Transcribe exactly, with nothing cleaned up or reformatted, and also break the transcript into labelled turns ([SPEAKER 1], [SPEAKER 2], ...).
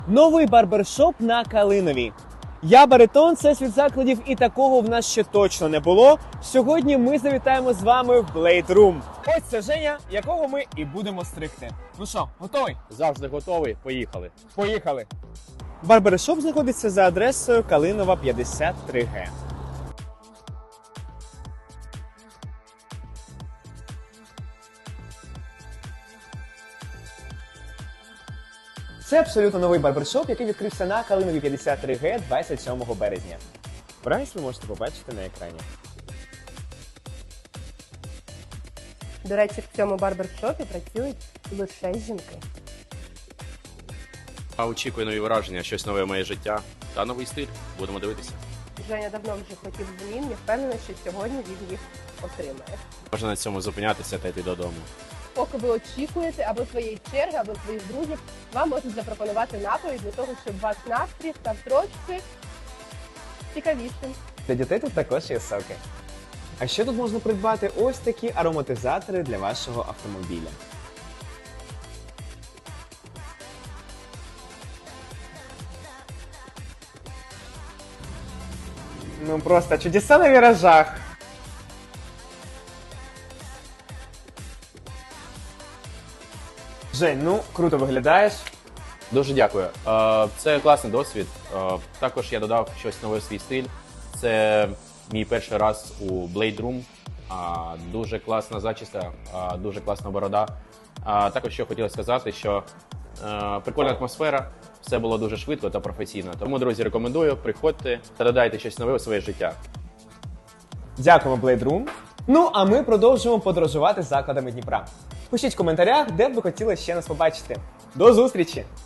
[SPEAKER 1] Новий барбершоп на Калиновій. Я Баритон, це світ закладів, і такого в нас ще точно не було. Сьогодні ми завітаємо з вами в Blade Room. Ось це Женя, якого ми і будемо стригти. Ну що, готовий?
[SPEAKER 2] Завжди готовий. Поїхали.
[SPEAKER 1] Поїхали! Барбершоп знаходиться за адресою Калинова, п'ятдесят три Г. Це абсолютно новий барбершоп, який відкрився на Калинові п'ятдесят три Г двадцять сьомого березня. Прайс ви можете побачити на екрані.
[SPEAKER 3] До речі, в цьому барбершопі працюють лише жінки.
[SPEAKER 2] А очікую нові враження, щось нове в моє життя та новий стиль. Будемо дивитися.
[SPEAKER 3] Женя давно вже хотів змін, я впевнена, що сьогодні він їх отримає.
[SPEAKER 2] Можна на цьому зупинятися та йти додому.
[SPEAKER 3] Поки ви очікуєте або своєї черги, або своїх друзів, вам можуть запропонувати напої для того, щоб ваш настрій став трошки цікавішим.
[SPEAKER 1] Для дітей тут також є соки. А ще тут можна придбати ось такі ароматизатори для вашого автомобіля. Ну просто чудеса на віражах. Жень, ну круто виглядаєш.
[SPEAKER 2] Дуже дякую. Е, Це класний досвід. Е, Також я додав щось нове в свій стиль. Це мій перший раз у Blade Room. Е, Дуже класна зачіска, е, дуже класна борода. Е, Також що хотілося сказати, що е, прикольна атмосфера, все було дуже швидко та професійно. Тому, друзі, рекомендую, приходьте та додайте щось нове у своє життя.
[SPEAKER 1] Дякуємо, Blade Room. Ну, а ми продовжуємо подорожувати закладами Дніпра. Пишіть в коментарях, де б ви хотіли ще нас побачити. До зустрічі!